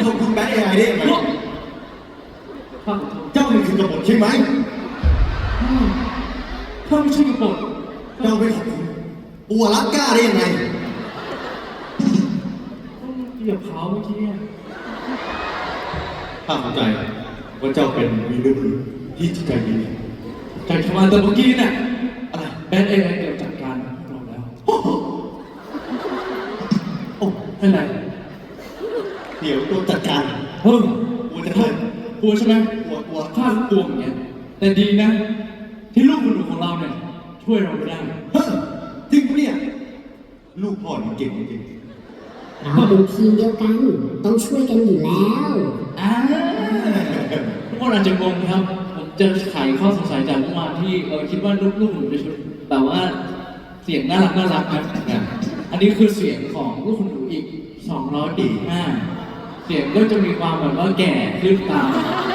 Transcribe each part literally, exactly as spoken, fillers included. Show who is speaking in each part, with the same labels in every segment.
Speaker 1: ขอบคุณแบทเอไอได้ยังไง
Speaker 2: ข้าขอโทษ
Speaker 1: เจ้ามันคือกบฏใช่ไหม
Speaker 2: ข้าไม่ใช่กบฏ
Speaker 1: เจ้าไปขอบคุณปัวรักกล้าได้ยังไง
Speaker 2: ต้องเหยียบเขาเมื่อกี้เนี่ย
Speaker 1: ข้าเข้าใจว่าเจ้าเป็นวีรบุรุษที่จิตใจดี
Speaker 2: ใจทำงานแต่เมื่อกี้เนี่ย
Speaker 1: อะไร
Speaker 2: แบนเอไอเกือบจัดการพวกเราแล้ว
Speaker 1: โอ้โหโอ้
Speaker 2: เป็นไร
Speaker 1: เดี๋ยวตัวจัดการ
Speaker 2: เฮ้ย
Speaker 1: กลัวจะเพิ่ม
Speaker 2: กลัวใช่ไหม
Speaker 1: กลัวกลัว
Speaker 2: ข้ากลัวอย่างเงี้ยแต่ดีนะ ที่ลูกคนหนูของเราเนี่ยช่วยเราไม่ได้
Speaker 1: เฮ้ยจริงปะเนี่ยลูกพ่อนี่เก่งจริง
Speaker 3: เราเป็นทีมเดียวกัน ต้องช่วยกันอยู่แล้ว
Speaker 2: อ่าทุกคนอาจจะงงครับ ผมจะไขข้อสงสัยจากเมื่อวานที่เออคิดว่าลูกๆหนูจะชุดแต่ว่าเสียงน่ารักน่ารักครับอันนี้คือเสียงของลูกคุณหนูอีกสองร้อยสี่สิบห้าเสียงก็จะมีความแบบว่าแก่ขึ้นตาม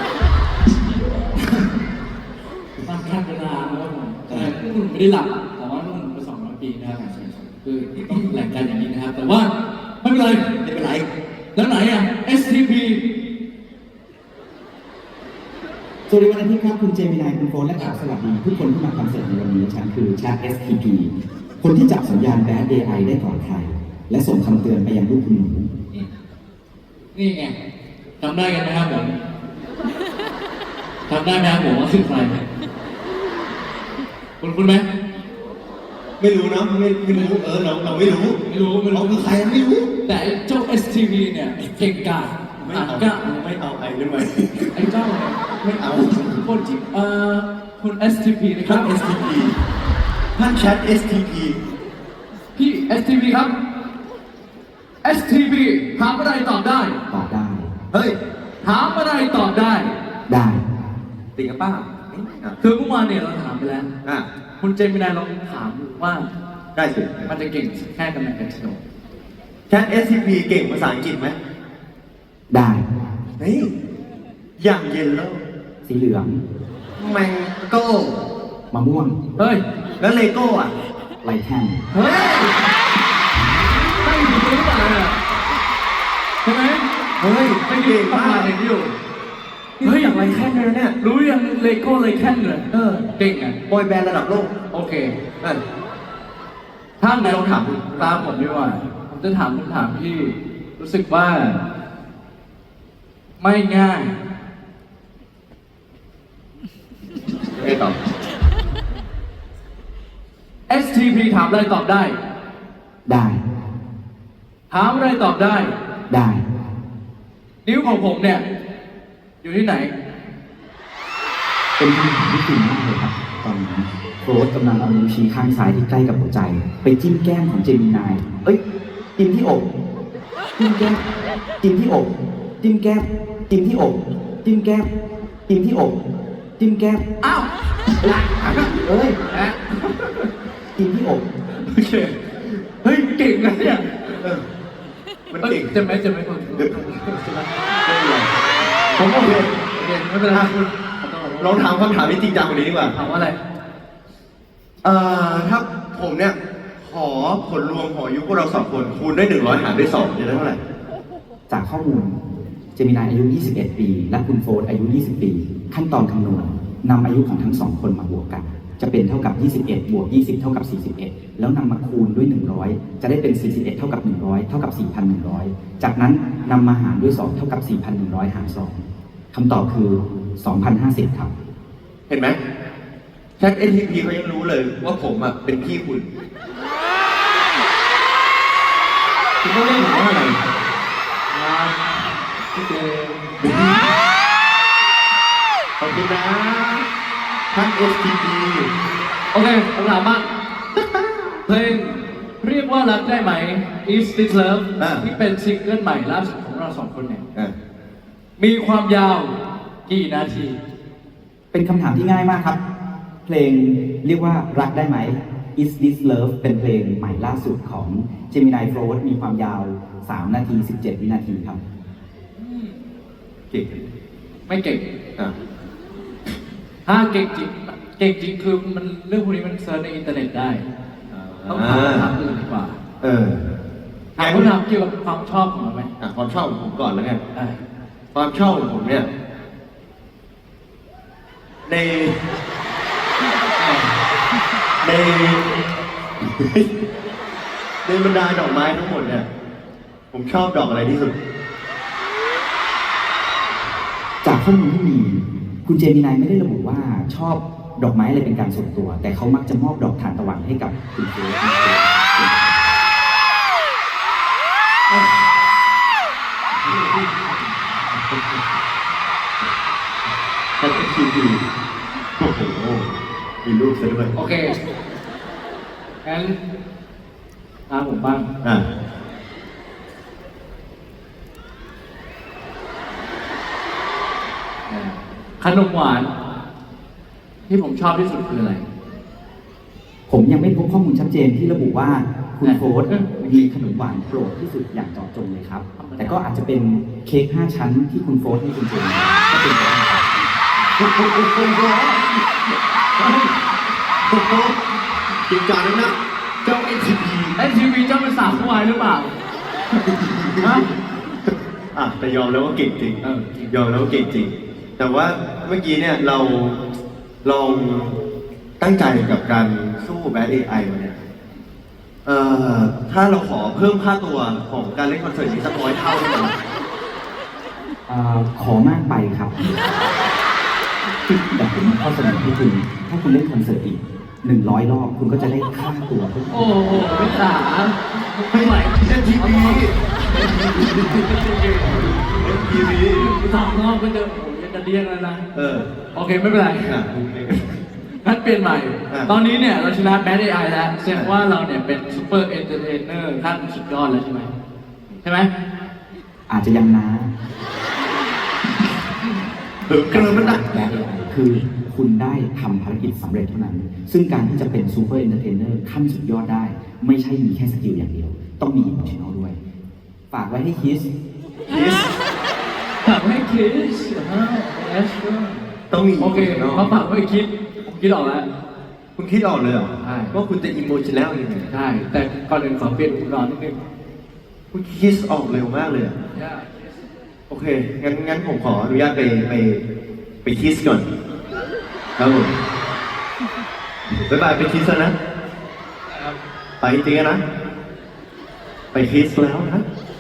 Speaker 2: ตามขั้นเวลาแล้วผมแต่ลูกคุณหนูไม่ได้หลับแต่ว่าลูกคุณหนูไปสองร้อยปีนะครับคือต้องแหล่งกันอย่างนี้นะครับ แต่ว่าไม่เป็นไร
Speaker 1: ๆไม่เป็นไร
Speaker 2: แล้วไหนอ่ะ เอส ที พี
Speaker 4: สวัสดีวันอาทิตย์ครับคุณเจมินายคุณโฟนและข่าวสวัสดีทุกคนที่มาคอนเสิร์ตในวันนี้ฉันคือชาร์ เอส ที พี คนที่จับสัญญาณ Bad เอ ไอ ได้ก่อนใคร และส่งคำเตือนไปยังลูกคุณหนู
Speaker 2: นี่ไงจำได้กันไหมครับผมจำได้ไหมครับผมว่าคือใครคุณคุณไหม
Speaker 1: ไม่รู้นะไม่ไม่รู้เออเราเราไม่รู้
Speaker 2: ไม่รู้ไม่
Speaker 1: เรา
Speaker 2: รู้
Speaker 1: คือใครไม่รู้
Speaker 2: แต่ไอ้เจ้า เอส ที พี เนี่ยเก่งกาจ
Speaker 1: ไม่
Speaker 2: อ่าน
Speaker 1: เอา
Speaker 2: กล้า
Speaker 1: ไม่เอาไอ้ด้วยไหม
Speaker 2: ไอ้เจ้าเนี่ย
Speaker 1: ไม่เอา
Speaker 2: คนที่เอ่อคุณ เอส ที พี นะค
Speaker 1: ท่า
Speaker 2: รั
Speaker 1: น
Speaker 2: บ
Speaker 1: เอส ที พี ท่านแชท เอส ที พี
Speaker 2: พี่ เอส ที พี ครับ เอส ที พี ถามอะไรตอบได้
Speaker 4: ตอบได้
Speaker 1: เฮ้ย
Speaker 2: ถามอะไรตอบได้
Speaker 4: ได้
Speaker 1: ติงกับป้าเอ๊ะอ่ะ
Speaker 2: คือเมื่อวานเนี่ยเราถามไปแล้ว
Speaker 1: อ่ะ
Speaker 2: คุณเจมินายลองถามดูว่า
Speaker 1: ได้สิ
Speaker 2: มันจะเก่งแค่ตำแหน่งกันโน
Speaker 1: แชท เอส ที พี เก่งภาษาอังกฤษไหม
Speaker 4: ได้
Speaker 1: เฮ้ยอย่างเย็นแล้ว
Speaker 4: สีเหลือง
Speaker 1: แมงโก้
Speaker 4: มะม่วง
Speaker 2: เฮ้ย
Speaker 1: แล้วเลโก้อ่ะ
Speaker 4: ไลแคน
Speaker 2: เฮ้ยตั้งอยู่ตรงนี้อ่ะใช่ไหม
Speaker 1: เฮ้ย
Speaker 2: ไม่ยื
Speaker 1: เก่
Speaker 2: น
Speaker 1: ง
Speaker 2: ประ
Speaker 1: มา
Speaker 2: มาณ
Speaker 1: ก
Speaker 2: อย่างที่อยู่
Speaker 1: เฮ้ยอย่างไรแค่นี้เนี่ย
Speaker 2: รู้ยังเลโก้เลยแค่เลยเออ เก่งอ่ะ
Speaker 1: บอยแบนด์ระดับโลก
Speaker 2: โอเค
Speaker 1: นั่น
Speaker 2: ถ้าไหนลองถามตามผมดีกว่า ผมจะถามคำถามที่รู้สึกว่า ไม่ง่าย
Speaker 1: ไม่ตอบ
Speaker 2: เอส ที พี ถามอะไรตอบได้
Speaker 4: ได้
Speaker 2: ถามอะไรตอบได้
Speaker 4: ได้
Speaker 2: นิ้วของผมเนี่ย อยู่ที่ไหน
Speaker 4: เป็นคำถามที่จริงมากเลยครับ ตอนนี้โฟร์กำลังเอานิ้วชี้ข้างซ้ายที่ใกล้กับหัวใจ ไปจิ้มแก้มของเจมินาย เอ้ย จิ้มที่อกจิ้มแก้มจิ้มที่อกจิ้มแก้มจิ้มที่อกจิ้มแก้มจิ้มที่อกจิ้มแก้ม
Speaker 2: อ้าว
Speaker 4: เอ้ย
Speaker 2: แอะ
Speaker 4: จิ้มที่อก
Speaker 2: โอเค เฮ้ย เก่งนะเนี่ย
Speaker 1: เออมันเก่ง
Speaker 2: จะไหมจะไหมคน
Speaker 1: เดี๋ยวไม่เป็นไร
Speaker 2: ผมโอเคโอเคไม่เป็นไรคุณ
Speaker 1: ลองถามคำถามที่จริงจังกว่านี้ดีกว่า
Speaker 2: ถามว่าอะไร
Speaker 1: เอ่อ ถ้าผมเนี่ย ขอผลรวมของอายุพวกเราสองคน คูณด้วยหนึ่งร้อยหารด้วยสองจะได้เท่าไหร่
Speaker 4: จากข้อมูล เจมินายอายุ ยี่สิบเอ็ด ปี และคุณโฟร์อายุ ยี่สิบ ปี ขั้นตอนคำนวณนำอายุของทั้งสองคนมาบวกกัน จะเป็นเท่ากับ ยี่สิบเอ็ด บวก ยี่สิบ เท่ากับ สี่สิบเอ็ด แล้วนำมาคูณด้วย หนึ่งร้อย จะได้เป็น สี่สิบเอ็ด เท่ากับ หนึ่งร้อย เท่ากับ สี่พันหนึ่งร้อย จากนั้นนำมาหารด้วย สอง เท่ากับ สี่พันหนึ่งร้อย หาร สอง คำตอบคือ สองพันห้าสิบ ครับ
Speaker 1: เห็นไหมแชท เอส ที พี เขายังรู้เลยว่าผมอ่ะเป็นพี่คุณ
Speaker 2: คุณต้องเรียกผมว่าอะไรพี่เจม
Speaker 1: ขอบคุณนะท่าน เอส ที พี
Speaker 2: โอเคผมถามบ้างเพลงเรียกว่ารักได้ไหม Is This Love
Speaker 1: อ่า
Speaker 2: ที่เป็นซิงเกิลใหม่ล่าสุดของเราสองคนเนี่ย
Speaker 1: อ่ะ
Speaker 2: มีความยาวกี่นาที
Speaker 4: เป็นคำถามที่ง่ายมากครับ เพลงเรียกว่ารักได้ไหม Is This Love เป็นเพลงใหม่ล่าสุดของ Gemini Float มีความยาว สาม นาที สิบเจ็ด วินาทีครับ
Speaker 1: เก่ง
Speaker 2: ไม่เก่ง
Speaker 1: อ่ะ
Speaker 2: ถ้าเก่งจริง เก่งจริงคือมันเรื่องพวกนี้มันเซิร์ชในอินเทอร์เน็ตได้ ต้องถามคำถามอื่นดีกว่า
Speaker 1: เออ
Speaker 2: ถามคำถามเกี่ยวกับความชอบของเราไหม
Speaker 1: ออ่ะความชอบของผมก่อนแล้วกัน
Speaker 2: ได้
Speaker 1: ความชอบของผมเนี่ย ใน ใน ในบรรดาดอกไม้ทั้งหมดเนี่ย ผมชอบดอกอะไรที่สุด
Speaker 4: จากข้อมูลที่มีคุณเจมินายไม่ได้ระบุว่าชอบดอกไม้อะไรเป็นการส่วนตัว แต่เขามักจะมอบดอกทานตะวันให้กับคุณเจมินาย
Speaker 1: แค่คิวดีโอ้โห มีรูปซะด้วย
Speaker 2: โอเคงั้นตามผมบ้าง
Speaker 1: อ่ะ
Speaker 2: ขนมหวาน ที่ผมชอบที่สุดคืออะไร
Speaker 4: ผมยังไม่พบข้อมูลชัดเจนที่ระบุว่าคุณโฟร์ธมีขนมหวานโปรดที่สุดอย่างเจาะจงเลยครับ แต่ก็อาจจะเป็นเค้กห้าชั้นที่คุณโฟร์ธให้คุณเจมินายก็เป็นไปได้ครับ
Speaker 1: โอ้โหโอ้โหโอ้โหจริงจังนะเจ้าเอ็นทีพี
Speaker 2: เอ็นทีวีเจ้าเป็นสาวผู้วายหรือเปล่าฮะ
Speaker 1: อ่ะแต่ยอมแล้วว่าเก่งจริง
Speaker 2: เออ
Speaker 1: ยอมแล้วว่าเก่งจริง แต่ว่าเมื่อกี้เนี่ยเราลองตั้งใจกับการสู้แบทเอไอมาเนี่ย เอ่อ ถ้าเราขอเพิ่มค่าตัวของการเล่นคอนเสิร์ตนี้สักร้อยเท่าได้ไหม
Speaker 4: เอ่อขอมากไปครับ แต่ผมมีข้อเสนอให้คุณ ถ้าคุณเล่นคอนเสิร์ตอีกหนึ่งร้อยรอบ คุณก็จะได้ค่าตัวเพิ่ม
Speaker 2: โอ้โหไม่สาไม่ไหว
Speaker 1: เอ็นทีพีเอ็นทีพี
Speaker 2: สองรอบก็จะโอ้โหยังจะเรียกแล้วนะ
Speaker 1: เออ
Speaker 2: โอเคไม่เป็นไร
Speaker 1: อ่ะ
Speaker 2: งั้นเปลี่ยนใหม่
Speaker 1: อ่ะ
Speaker 2: ตอนนี้เนี่ยเราชนะแบทเอไอแล้วแสดงว่าเราเนี่ยเป็นซูเปอร์เอนเตอร์เทนเนอร์ขั้นสุดยอดแล้วใช่ไหมใช่ไหม
Speaker 4: อาจจะยังน้า
Speaker 1: เออเกินมันนะ
Speaker 4: และ เอ ไอ คือคุณได้ทำภารกิจสำเร็จเท่านั้น ซึ่งการที่จะเป็นซูเปอร์เอนเตอร์เทนเนอร์ขั้นสุดยอดได้ ไม่ใช่มีแค่สกิลอย่างเดียว ต้องมีอิมมชั่นอลด้วย ฝากไว้ให้คิส
Speaker 1: คิส
Speaker 2: ฝากไว้คิดฮะเอส
Speaker 1: ต้องมี
Speaker 2: โอเคเขาฝากไว้คิดผมคิดออกแล้ว
Speaker 1: คุณคิดออกเลยเหรอ
Speaker 2: ใช่
Speaker 1: ว่าคุณจะอิโมชันแนลยังไง
Speaker 2: ใช่ แต่ก่อนอื่นขอเปลี่ยนอุปกรณ์นิดนึง
Speaker 1: คุณคิดออกเร็วมากเลยอะโอเค งั้นงั้นผมขออนุญาตไปไปไปคิสก่อน ครับผมบ๊ายบายไปคิสแล้วนะ ไปจริงๆนะ ไปคิสแล้วนะ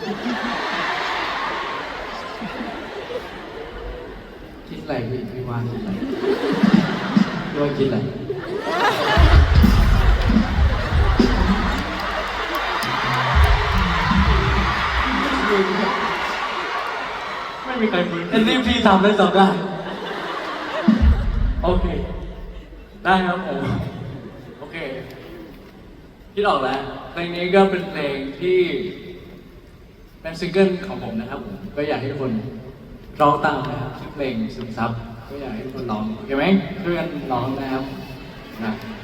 Speaker 2: คิดอะไรพี่พี่ว่าคิดอะไรพี่ว่าคิดอะไรไม่มีใครมืออันนี้พี่ทำได้สองได้โอเค ได้ครับผมโอเคคิดออกแล้วเพลงนี้ก็เป็นเพลงที่เป็นซิงเกิลของผมนะครับผมก็อยากให้ทุกคนร้องตามนะครับชื่อเพลงซึมซับก็อยากให้ทุกคนร้องโอเคไหมช่วยกันร้องนะครับนะ